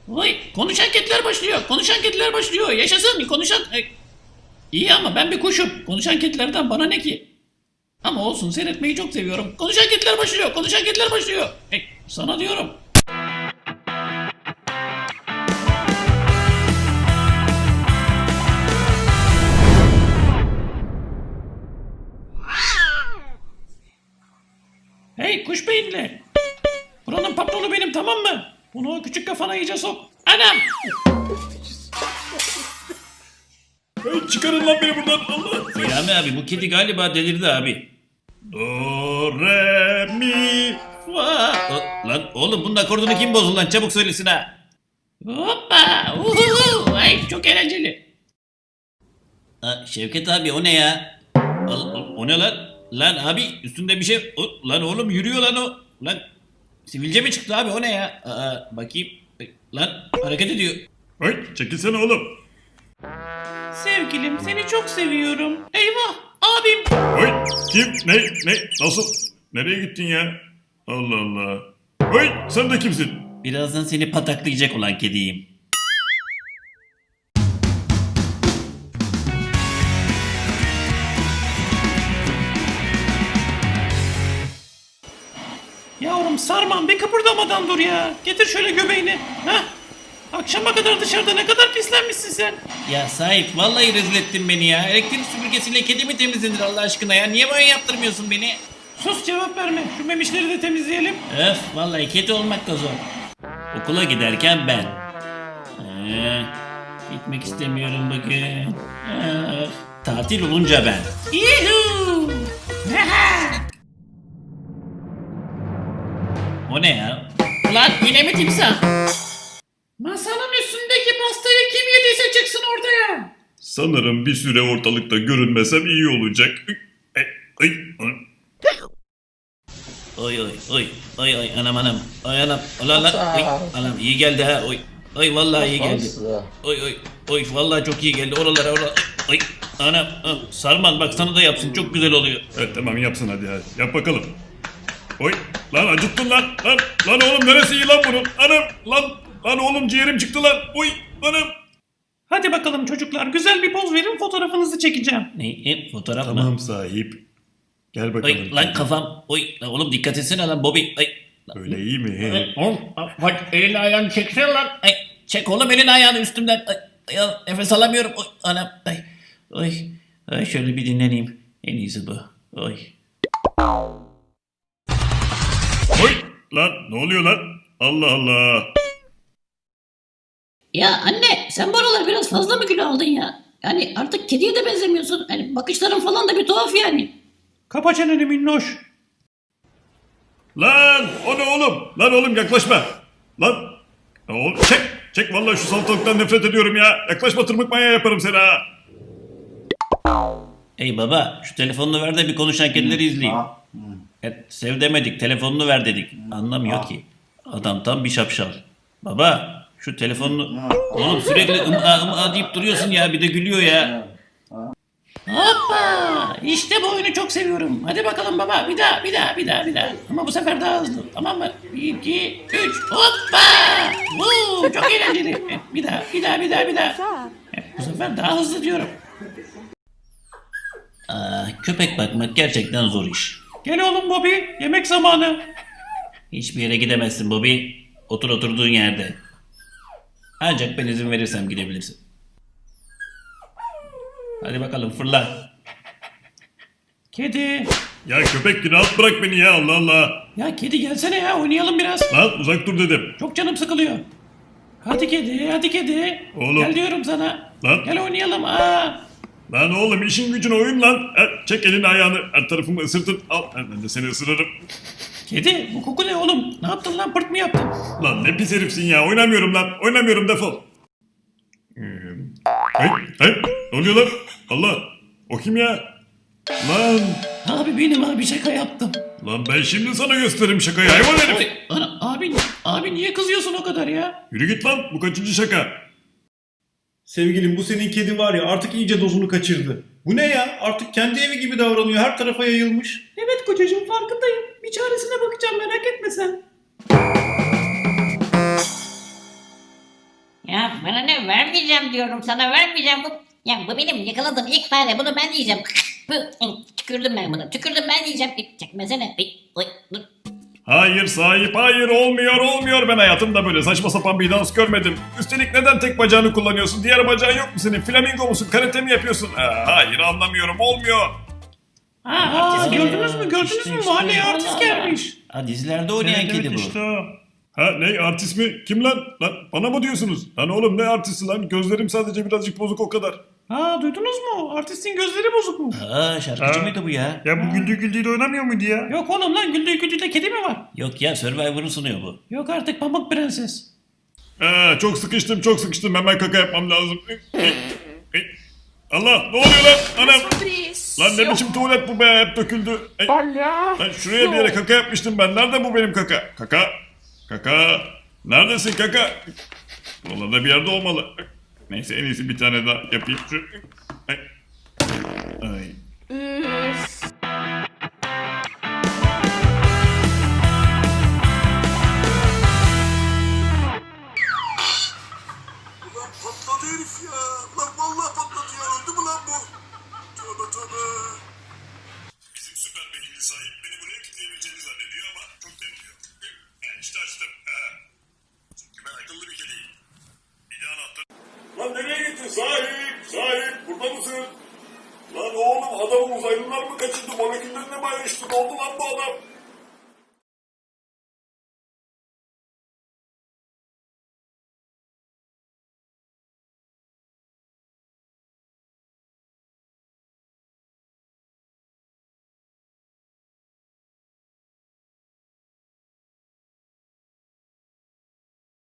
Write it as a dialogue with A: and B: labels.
A: Vay, konuşan kediler başlıyor. Konuşan kediler başlıyor. Yaşasın konuşan... İyi ama ben bir kuşum. Konuşan kedilerden bana ne ki? Ama olsun, seyretmeyi çok seviyorum. Konuşan kediler başlıyor. Konuşan kediler başlıyor. Sana diyorum. Hey kuş beyinli. Buranın patronu benim, tamam mı? Bunu o küçük kafana iyice sok. Anam!
B: Hey, çıkarın lan beni buradan, Allah.
A: Selami abi, bu kedi galiba delirdi abi.
B: Do, re, mi,
A: Fa. Lan oğlum, bunun akordunu kim bozdu lan? Çabuk söylesin ha. Hoppa! Uhuhu! Ay çok eğlenceli. Şevket abi, o ne ya? O ne lan? Lan abi, üstünde bir şey... Lan oğlum, yürüyor lan o. Lan sivilce mi çıktı abi, o ne ya? Bakayım. Lan hareket ediyor.
B: hey, çekilsene oğlum.
A: Sevgilim, seni çok seviyorum. Eyvah abim.
B: Hey, kim, ne, nasıl, nereye gittin ya? Allah Allah. Hey, sen de kimsin?
A: Birazdan seni pataklayacak olan kediyim. Yavrum Sarman, bir kıpırdamadan dur ya. Getir şöyle göbeğini. Heh. Akşama kadar dışarıda ne kadar pislenmişsin sen. Ya sahip, vallahi rezil ettin beni ya. Elektrik süpürgesiyle kedi mi temizlenir Allah aşkına ya? Niye böyle yaptırmıyorsun beni? Sus, cevap verme. Şu memişleri de temizleyelim. Öf, vallahi kedi olmak da zor. Okula giderken ben. Gitmek istemiyorum bugün. Öf. Tatil olunca ben. Yuhuu! O ne ya? Lan yine mi timsah? Masanın üstündeki pastayı kim yediyse çıksın ortaya.
B: Sanırım bir süre ortalıkta görünmesem iyi olacak. Ay, ay, ay.
A: Oy anam ay anam anam iyi geldi ha oy vallahi iyi geldi oy vallahi çok iyi geldi oralara oy anam Sarman, bak sana da yapsın, çok güzel oluyor.
B: Evet tamam, yapsın hadi yap bakalım. Oy, lan acıttın lan oğlum, neresi iyi lan bunun? Anam, lan oğlum, ciğerim çıktı lan. Oy, anam.
A: Hadi bakalım çocuklar, güzel bir poz verin, fotoğrafınızı çekeceğim. Fotoğraf mı?
B: Tamam sahip. Gel bakalım.
A: Oy lan kafam, lan oğlum dikkat etsene lan Bobby.
B: Öyle iyi mi?
A: Oğlum bak, elini ayağını çeksene lan. Çek oğlum elini ayağını üstümden. Nefes alamıyorum. Oy anam. Ay şöyle bir dinleneyim. En iyisi bu. Oy.
B: Oy, lan ne oluyor lan? Allah Allah.
C: Ya anne, sen bu aralar biraz fazla mı kilo aldın ya? Yani artık kediye de benzemiyorsun. Hani bakışların falan da bir tuhaf yani.
A: Kapa çeneni minnoş.
B: Lan o ne oğlum? Lan oğlum yaklaşma. Lan. Oğlum çek vallahi, şu salatalıktan nefret ediyorum ya. Yaklaşma, tırmık manyağı yaparım seni ha.
A: Ey baba, şu telefonunu ver de bir konuşan kedileri izleyeyim. Sev demedik, telefonunu ver dedik. Anlamıyor ki. Adam tam bir şapşal. Baba, şu telefonunu... Oğlum sürekli ım'a deyip duruyorsun ya, bir de gülüyor ya. Hoppa! İşte bu oyunu çok seviyorum. Hadi bakalım baba, bir daha. Ama bu sefer daha hızlı, tamam mı? 1, 2, 3, hoppa! Çok eğlenceli. Bir daha. Bu sefer daha hızlı diyorum. Köpek bakmak gerçekten zor iş. Gel oğlum Bobby, yemek zamanı. Hiçbir yere gidemezsin Bobby. Otur oturduğun yerde. Ancak ben izin verirsem gidebilirsin. Hadi bakalım fırla. Kedi.
B: Ya köpek, rahat bırak beni ya, Allah Allah.
A: Ya kedi gelsene ya, oynayalım biraz.
B: Lan uzak dur dedim.
A: Çok canım sıkılıyor. Hadi kedi.
B: Oğlum.
A: Gel diyorum sana.
B: Lan.
A: Gel oynayalım.
B: Lan oğlum, işin gücün oyun lan. Çek elini ayağını, her tarafımı ısırtın. Al, ben de seni ısırırım.
A: Kedi, bu koku ne oğlum? Ne yaptın lan, pırt mı yaptın?
B: Lan ne pis herifsin ya, oynamıyorum lan. Oynamıyorum, defol. Hey, ne oluyor lan? Allah, o kim ya? Lan,
A: Abi benim abi, şaka yaptım.
B: lan ben şimdi sana gösteririm şakayı, hayvan herif.
A: Oy, abi niye kızıyorsun o kadar ya?
B: Yürü git lan, bu kaçıncı şaka?
D: Sevgilim, bu senin kedi var ya, artık iyice dozunu kaçırdı. Bu ne ya? Artık kendi evi gibi davranıyor. Her tarafa yayılmış.
A: Evet kocacığım, farkındayım. Bir çaresine bakacağım, merak etme sen.
E: Ya bana ne, vermeyeceğim diyorum sana, vermeyeceğim. Bu benim yakaladığım ilk fare, bunu ben yiyeceğim. Tükürdüm ben bunu, tükürdüm ben yiyeceğim. Çekmesene. Oy, dur.
B: Hayır sahip, hayır, olmuyor. Ben hayatımda böyle saçma sapan bir dans görmedim. Üstelik neden tek bacağını kullanıyorsun? Diğer bacağın yok mu senin? Flamingo musun? Karate mi yapıyorsun? Hayır, anlamıyorum, olmuyor.
A: Artist gördünüz mü?
C: işte.
A: Mahalleye
C: Allah
A: artist
C: Allah.
A: gelmiş.
F: Ha, dizilerde oynayan kedi bu.
B: Ha ne artist mi? Kim lan? Lan bana mı diyorsunuz? Lan oğlum ne artisti lan? Gözlerim sadece birazcık bozuk o kadar.
A: Duydunuz mu? Artistin gözleri bozuk mu?
F: Aa, şarkıcı mıydı bu ya?
B: Ya bu güldüğü de oynamıyor muydu ya?
A: Yok oğlum lan, güldüğü kedi mi var?
F: Yok ya, Survivor'ı sunuyor bu.
A: Yok artık, Pamuk Prenses.
B: Çok sıkıştım. Hemen kaka yapmam lazım. Allah, ne oluyor lan? Anam. Lan ne biçim tuvalet bu be, hep döküldü. Lan şuraya bir yere kaka yapmıştım ben. Nerede bu benim kaka? Kaka. Neredesin kaka? Buralarda bir yerde olmalı. Neyse, en iyisi bir tane daha yapayım. Ay.
G: Ulan patladı herif ya. Lan vallahi patladı ya. Öldü mü lan bu? Tövbe.
B: Bizim süper beyinli sahip beni buraya kilitleyebileceğini zannediyor ama çok deniliyor. İşte açtım. Çünkü ben akıllı bir kediyim. Bir de anahtar. Lan nereye gittin sahip? Burada mısın? Lan oğlum, adamı uzaylılar mı kaçırdı? Moleküllerine mi ayrıştı? Ne oldu lan bu adam?